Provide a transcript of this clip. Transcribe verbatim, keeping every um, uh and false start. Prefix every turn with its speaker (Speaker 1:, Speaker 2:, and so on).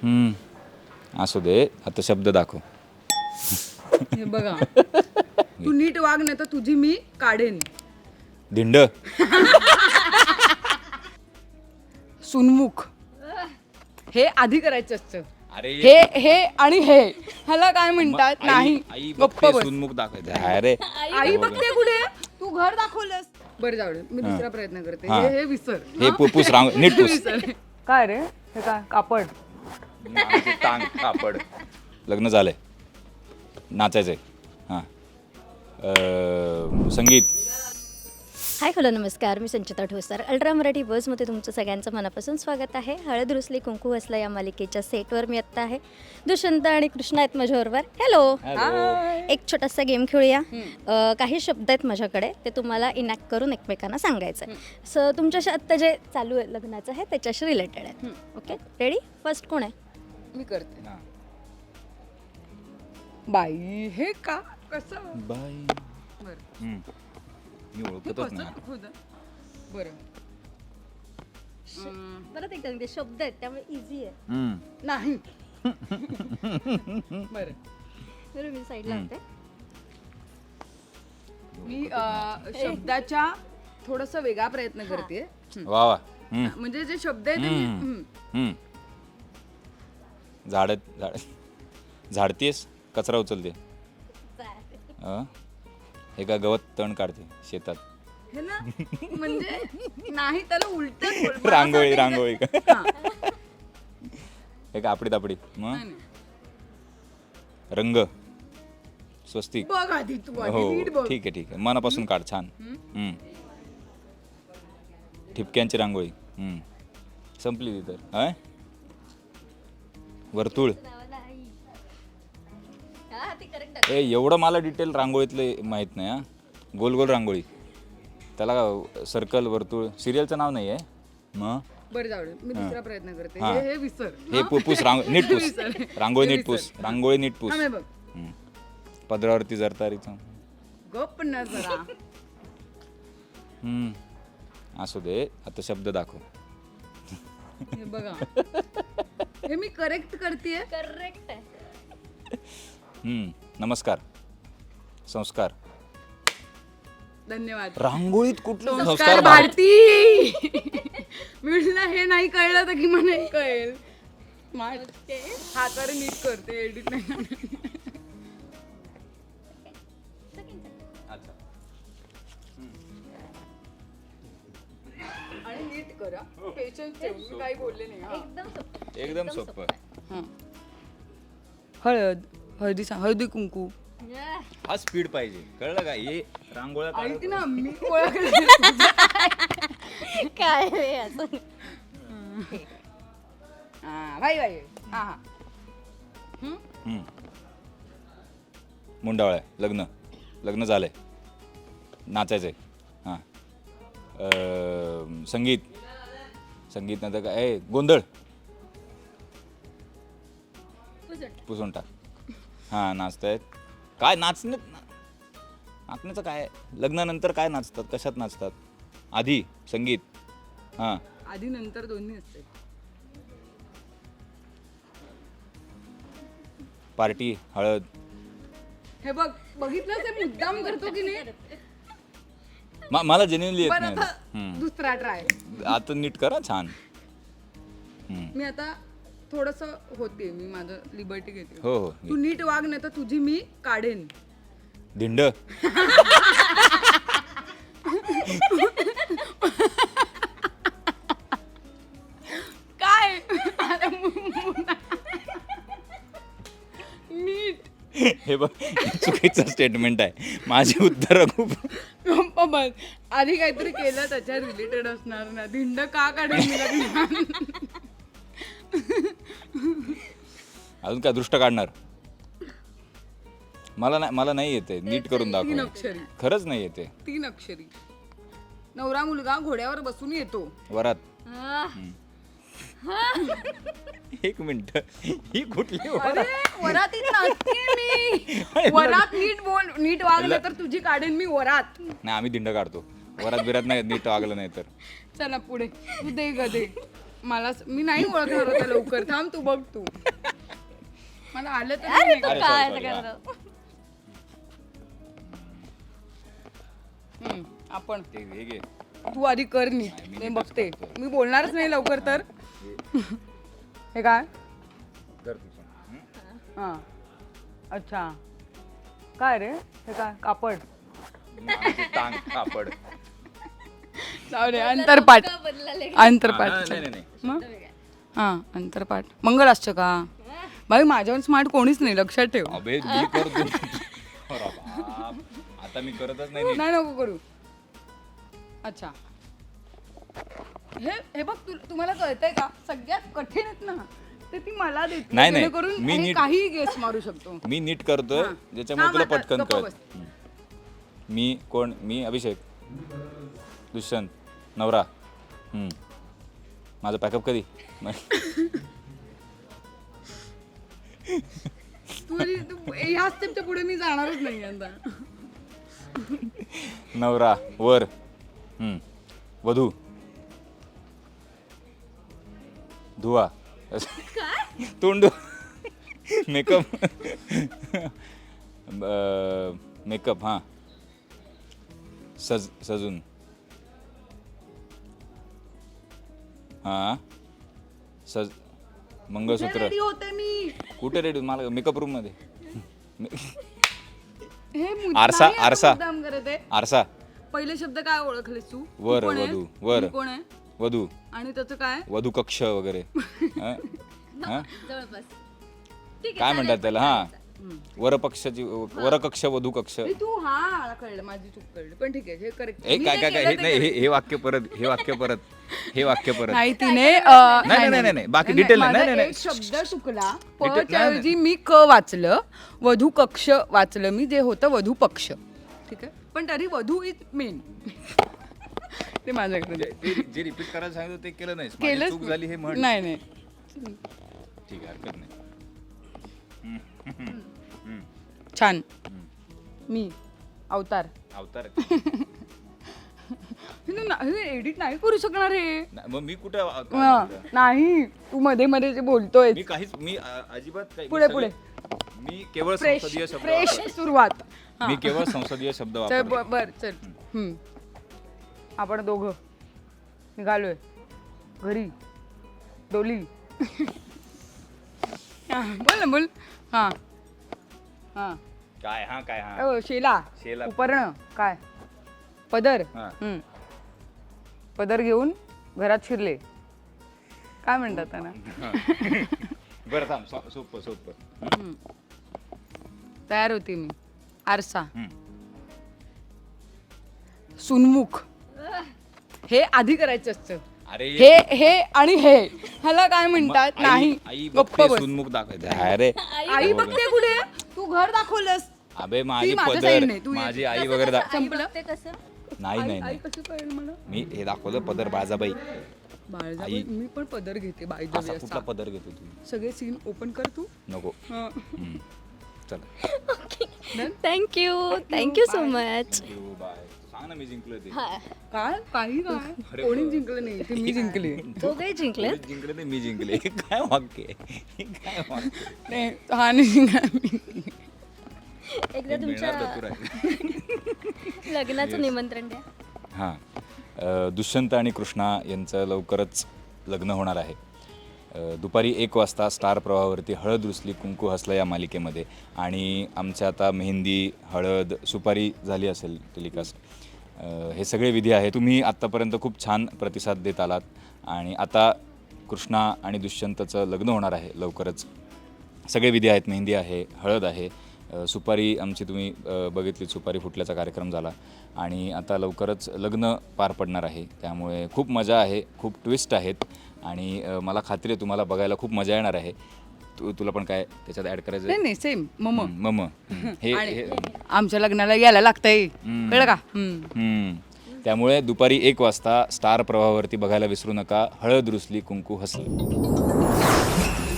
Speaker 1: हम्म, असू दे, आता शब्द दाखव.
Speaker 2: हे बघा तू नीट वाग नाही तर तुझी मी काढेन.
Speaker 1: धिंड.
Speaker 2: सुनमुख. हे आधी करायचं असतं.
Speaker 1: अरे
Speaker 2: हे हे आणि हे ह्याला काय म्हणतात?
Speaker 1: आई-
Speaker 2: नाही
Speaker 1: आई
Speaker 2: गप्प
Speaker 1: बघते,
Speaker 2: बस.
Speaker 1: सुनमुख दाखवायचं. अरे
Speaker 2: आई बघते कुठे? तू घर दाखवलंस. बरं जाऊ दे, मी दुसरा प्रयत्न करते.
Speaker 1: हा.
Speaker 2: हे हे विसर.
Speaker 1: हे पु- पुस रांग नीट पुस.
Speaker 2: विसर. काय रे हे काय कापड?
Speaker 1: नावाची टांग कापड. लग्न झालंय, नाचायचंय. हां, अं, संगीत.
Speaker 3: हाय हॅलो नमस्कार, मी संचिता ठोसर. अल्ट्रा मराठी बसमध्ये तुमचं सगळ्यांचं मनापासून स्वागत आहे. हळद रुसली कुंकू हसला या मालिकेच्या सेटवर मी आत्ता आहे. दुष्यंत आणि कृष्णा आहेत माझ्याबरोबर. हॅलो. एक छोटासा गेम खेळूया. अ, काही शब्द आहेत माझ्याकडे, ते तुम्हाला इनॅक्ट करून एकमेकांना सांगायचं आहे. सो तुमच्याशी आत्ता जे चालू आहे लग्नाचं आहे त्याच्याशी रिलेटेड आहे. Okay, ready? फर्स्ट कोण आहे?
Speaker 2: मी करते.
Speaker 1: हां.
Speaker 2: बाई हे का कसं?
Speaker 1: बाई.
Speaker 2: बरं
Speaker 1: हम्म. मी
Speaker 2: हे
Speaker 1: ओळखतच
Speaker 2: कसं
Speaker 1: नाही.
Speaker 2: दाखवतं? बरं अं,
Speaker 3: परत एकदा ते शब्द आहेत त्यामुळे इझी आहे.
Speaker 1: हम्म.
Speaker 2: नाही. बरं
Speaker 3: बरं, मी साईडला होते.
Speaker 2: मी अं, शब्दाच्या थोडस वेगळा प्रयत्न करते.
Speaker 1: वा वा. हम्म.
Speaker 2: म्हणजे जे शब्द आहेत ते मी-
Speaker 1: हम्म.
Speaker 2: हम्म.
Speaker 1: हम्म. झाड झाड झाडतेस, कचरा उचलते. अं? हे का गवत तण काढते शेतात.
Speaker 2: हे ना म्हणजे नाही त्याला उलट
Speaker 1: रांगोळी रांगोळी का? हे का आपडी तापडी. मग रंग, स्वस्तिक.
Speaker 2: बघ आधी तू आधी
Speaker 1: हो
Speaker 2: नीट बघ.
Speaker 1: ठीक आहे ठीक आहे, मनापासून काढ. छान. हम्म. ठिपक्यांची रांगोळी. हम्म. संपली ती तर. अं? वर्तुळ. ए एवढं मला डिटेल रांगोळीतले माहीत नाही. हा, गोल गोल रांगोळी, त्याला सर्कल वर्तुळ. सिरियलचं नाव नाही आहे. मग
Speaker 2: बरं जाऊ दे, मी दुसरा प्रयत्न करते.
Speaker 1: हा.
Speaker 2: हे हे विसर.
Speaker 1: हे पु- पुस रांग नीट पुस.
Speaker 2: विसर.
Speaker 1: रांगोळी
Speaker 2: हे
Speaker 1: नीट पुस.
Speaker 2: विसर.
Speaker 1: रांगोळी नीट पुस.
Speaker 2: हा, मी बघ
Speaker 1: हम्म. पदरावरती जरतारीचं.
Speaker 2: गप्प ना जरा.
Speaker 1: हम्म. असू दे, आता शब्द दाखव.
Speaker 2: हे बघा हे मी करेक्ट करते.
Speaker 3: करेक्ट आहे.
Speaker 1: हम्म. नमस्कार, संस्कार.
Speaker 2: धन्यवाद.
Speaker 1: रांगोळीत कुठलं
Speaker 2: संस्कार
Speaker 1: संस्कार भारत?
Speaker 2: भारती. मी म्हटलं हे नाही कळलं तर की मला हे कळेल. स्मार्ट. हाताने नीट करते, एडिट नाही.
Speaker 1: अच्छा.
Speaker 2: आणि नीट करा. पेशन्स ठेव, मी काही बोलले नाही. हा.
Speaker 3: एकदम सोपं.
Speaker 1: एकदम सोपं.
Speaker 2: हा. हळद हळदी सांग, हळदी कुंकू.
Speaker 1: हा स्पीड पाहिजे, कळलं का? हे रांगोळ्या
Speaker 2: आई
Speaker 1: काढत-
Speaker 2: ती ना मी ओळखलं.
Speaker 3: काय रे असं?
Speaker 2: हा भाई भाई. हा हा. हम्म?
Speaker 1: हम्म. मुंडावळ्या. लग्न लग्न झालंय, नाचायचंय. हां, अं, संगीत. संगीत नंतर काय? ए गोंधळ. पुसून टाक. हां, नाचतायत. काय नाचणं? नाचण्याचं काय? लग्नानंतर काय नाचतात, कशात नाचतात? आधी संगीत. हां,
Speaker 2: आधी नंतर दोन्ही असते.
Speaker 1: पार्टी, हळद.
Speaker 2: हे बघ बघितलं ते मुद्दाम करतो की नाही.
Speaker 1: म- मला जेन्युइनली येत
Speaker 2: बरं
Speaker 1: नाही.
Speaker 2: आता
Speaker 1: हम्म.
Speaker 2: दुसरा ट्राय.
Speaker 1: आता नीट करा. छान. हम्म.
Speaker 2: मी आता थोडस होते, मी माझं लिबर्टी घेते.
Speaker 1: हो हो.
Speaker 2: तू नीट वाग नाही तर तुझी मी काढेन.
Speaker 1: धिंड.
Speaker 2: काय? अरे मुन्ना. नीट.
Speaker 1: हे बघ, चुकीचं स्टेटमेंट आहे. माझी उत्तर खूप.
Speaker 2: गप्प बस. आधी काहीतरी केलं त्याच्या रिलेटेड असणार ना. धिंड का काढेल मी लग्नात?
Speaker 1: अजून काय दृष्ट काढणार? मला नाही मला नाही येते. नीट करून
Speaker 2: तीन
Speaker 1: दाखव.
Speaker 2: अक्षरी.
Speaker 1: खरंच नाही येते.
Speaker 2: तीन अक्षरी. नवरा मुलगा घोड्यावर बसून येतो.
Speaker 1: वरात.
Speaker 3: आह,
Speaker 1: एक मिनिट, ही कुठली
Speaker 2: अरे
Speaker 1: वरात?
Speaker 2: वरातीत नाचते मी. वरात नीट बोल, नीट वागलं तर तुझी काढेन मी वरात.
Speaker 1: नाही, आम्ही धिंड काढतो. वरात बिरात नाही नीट वागलं नाही तर.
Speaker 2: चला पुढे. तू दे ग दे. मला मी नाही ओळखणार होता लवकर. थांब तू बघ तू मला आलं तर
Speaker 3: अरे
Speaker 2: नाही.
Speaker 3: तू
Speaker 1: अरे,
Speaker 3: काय
Speaker 1: sorry, sorry,
Speaker 3: करतो?
Speaker 2: हम्म, आपण
Speaker 1: ते हे घे.
Speaker 2: तू आधी कर नीट.
Speaker 1: नाही, मी
Speaker 2: मी
Speaker 1: नीटच
Speaker 2: बघते.
Speaker 1: करतो.
Speaker 2: मी बोलणारच नाही लवकर तर. हे काय
Speaker 1: कर तू पण. हं?
Speaker 2: हा अच्छा काय रे हे काय कापड
Speaker 1: माझी टांग कापड.
Speaker 2: जाऊ दे अंतरपाठ
Speaker 3: का बदलाले?
Speaker 2: अंतरपाठ
Speaker 1: हा, नाही नाही नाही
Speaker 2: मग हा अंतरपाठ मंगळाष्टका बाई माझ्यावर स्मार्ट कोणीच नाही लक्षात ठेव.
Speaker 1: अबे मी करतो. अरे बाप. आता मी करतच नाही नीट.
Speaker 2: नाही नको करू. अच्छा हे हे बघ तू तुम्हाला कळतंय का सगळ्यात कठीण आहेत ना ते ती मला देते
Speaker 1: नाही, नाही.
Speaker 2: जेणेकरून
Speaker 1: मी
Speaker 2: हे
Speaker 1: नीट-
Speaker 2: काही गेस मारू शकतो.
Speaker 1: मी नीट करतोय
Speaker 2: हा.
Speaker 1: ज्याच्यामुळे
Speaker 2: थांब
Speaker 1: तुला
Speaker 2: आता,
Speaker 1: पटकन
Speaker 2: गप्प
Speaker 1: कळत.
Speaker 2: बस.
Speaker 1: मी कोण मी अभिषेक दुष्यंत नवरा. हम्म. माझं पॅकअप कधी
Speaker 2: तू तू- ह्या स्टेपच्या पुढे मी जाणारच नाही आता.
Speaker 1: नवरा वर. हम्म. वधू धुवा तोंड मेकअप मेकअप हां सज सजून हां सज मंगळसूत्र
Speaker 2: रेडी होते मी
Speaker 1: कुठे रेडी मला मेकअप रूम मध्ये
Speaker 2: हे मुद्दाम
Speaker 1: आरसा,
Speaker 2: नाही आता
Speaker 1: आरसा.
Speaker 2: मुद्दाम करत आहे.
Speaker 1: आरसा
Speaker 2: पहिले शब्द काय ओळखलेस तू? तू
Speaker 1: वर,
Speaker 2: कोण आहेस?
Speaker 1: वधू, वर.
Speaker 2: मी कोण आहे
Speaker 1: वधू
Speaker 2: आणि त्याचं काय
Speaker 1: वधू कक्ष वगैरे हं? हं?
Speaker 3: जवळपास ठीक आहे
Speaker 1: काय म्हणतात
Speaker 3: चालेल,
Speaker 1: त्याला
Speaker 3: पण
Speaker 1: हा
Speaker 3: चालायचं.
Speaker 1: वरपक्षाची वरकक्ष वधू कक्ष
Speaker 2: हे तू हा कळलं माझी चूक कळली पण ठीक आहे हे करेक्ट
Speaker 1: ए काय काय काय हे नाही हे हे वाक्य परत हे वाक्य परत हे वाक्य परत
Speaker 2: नाही तिने अं,
Speaker 1: नाही, नाही, नाही, बाकी detail नाही,
Speaker 2: माझा
Speaker 1: नाही, नाही.
Speaker 2: एक शब्द चुकला
Speaker 1: Detail-
Speaker 2: प
Speaker 1: नाही,
Speaker 2: ऐवजी मी क वाचलं वधू कक्ष वाचलं मी जे होतं वधू पक्ष ठीक आहे पण तरी वधू इज मेन ते माझ्याकडे
Speaker 1: जे जे रिपीट करायला सांगितलं ते केलं नाही
Speaker 2: केलंच
Speaker 1: चूक झाली हे म्हण
Speaker 2: नाही नाही
Speaker 1: ठीक आहे हरकत नाही
Speaker 2: छान मी अवतार
Speaker 1: अवतार
Speaker 2: हे एडिट नाही करू शकणार हे
Speaker 1: नाही, मग मी कुठे
Speaker 2: हा, नाही तू मध्ये मध्ये जे बोलतोय
Speaker 1: मी काहीच मी अ, अजिबात काही मी
Speaker 2: पुढे,
Speaker 1: सगळे- मी केवळ
Speaker 2: फ्रेश
Speaker 1: संसदीय शब्द
Speaker 2: फ्रेश
Speaker 1: वापरतो.
Speaker 2: सुरुवात हा.
Speaker 1: मी केवळ संसदीय शब्द
Speaker 2: चल
Speaker 1: वापरतो
Speaker 2: ब- बर चल हम्म. आपण दोघं निघालोय घरी डोली हा, बोल ना बोल हा हा
Speaker 1: काय हा काय हा
Speaker 2: अ, शेला
Speaker 1: शेला.
Speaker 2: उपर्ण काय पदर
Speaker 1: हा.
Speaker 2: हम्म. पदर घेऊन घरात शिरले काय म्हणतात त्यांना
Speaker 1: बरं थांब सो- सोपं सोपं
Speaker 2: तयार होते मी आरसा
Speaker 1: हम्म.
Speaker 2: सुनमुख हे आधी करायचं असतं
Speaker 1: अरे
Speaker 2: हे हे आणि हे ह्याला काय म्हणतात
Speaker 1: आई-
Speaker 2: नाही
Speaker 1: आई
Speaker 2: गप्प
Speaker 1: बघते
Speaker 2: बस
Speaker 1: सुनमुख दाखवते अरे
Speaker 2: आई बघते कुठे तू घर दाखवलंस
Speaker 1: अबे माझी
Speaker 2: माझ्या
Speaker 1: पदर
Speaker 2: side ने, तू ये.
Speaker 1: माझी आई वगैरे दा-
Speaker 3: आई बघते कसं
Speaker 1: नाही
Speaker 2: आई
Speaker 1: नाही
Speaker 2: आई
Speaker 1: नाही
Speaker 2: कसं कळेल मला
Speaker 1: मी हे दाखवलं पदर बाजाबाई
Speaker 2: बाळजाबाई मी पण पदर घेते बाय द
Speaker 1: असा
Speaker 2: वे
Speaker 1: कुठला पदर घेतो तू
Speaker 2: सगळे सीन ओपन कर तू
Speaker 1: नको
Speaker 2: हं.
Speaker 1: हम्म. चला
Speaker 3: थँक्यू थँक्यू सो मच
Speaker 1: येऊ, बाय सांग ना मी जिंकलो ते
Speaker 2: काय काही काय कोणी जिंकलं नाही ते मी जिंकले
Speaker 3: दोघे जिंकले
Speaker 1: कोणीच जिंकले नाही मी जिंकले हे काय वाक्य आहे? हे काय वाक्य आहे?
Speaker 2: नाही हा नाही जिंकला मी.
Speaker 3: एकदा
Speaker 1: हे
Speaker 3: तुमच्या
Speaker 1: मिळणार तर तुला.
Speaker 3: लग्नाचं निमंत्रण द्या
Speaker 1: हां अ, दुष्यंत आणि कृष्णा यांचं लवकरच लग्न होणार आहे अ, दुपारी एक वाजता स्टार प्रवाहावरती हळद रुसली कुंकू हसलं या मालिकेमध्ये आणि आमच्या आता मेहंदी हळद सुपारी झाली असेल टेलिकास्ट अ, हे सगळे विधी आहे तुम्ही आत्तापर्यंत खूप छान प्रतिसाद देत आलात आणि आता कृष्णा आणि दुष्यंतचं लग्न होणार आहे लवकरच सगळे विधी आहेत मेहंदी आहे हळद आहे अ, सुपारी आमची तुम्ही अ, बघितली सुपारी फुटल्याचा कार्यक्रम झाला आणि आता लवकरच लग्न पार पडणार आहे त्यामुळे खूप मजा आहे खूप ट्विस्ट आहेत आणि अ, मला खात्री आहे तुम्हाला बघायला खूप मजा येणार आहे तू तुला पण काय त्याच्यात ॲड करायचं
Speaker 2: नाही
Speaker 1: आहे?
Speaker 2: नाही सेम मम
Speaker 1: हम्म, मम हम्म. हे हे
Speaker 2: आमच्या लग्नाला यायला लागतंय
Speaker 1: हम्म.
Speaker 2: कळलं का हम्म.
Speaker 1: हम्म. त्यामुळे दुपारी एक वाजता स्टार प्रवाहावरती बघायला विसरू नका हळद रुसली कुंकू हसली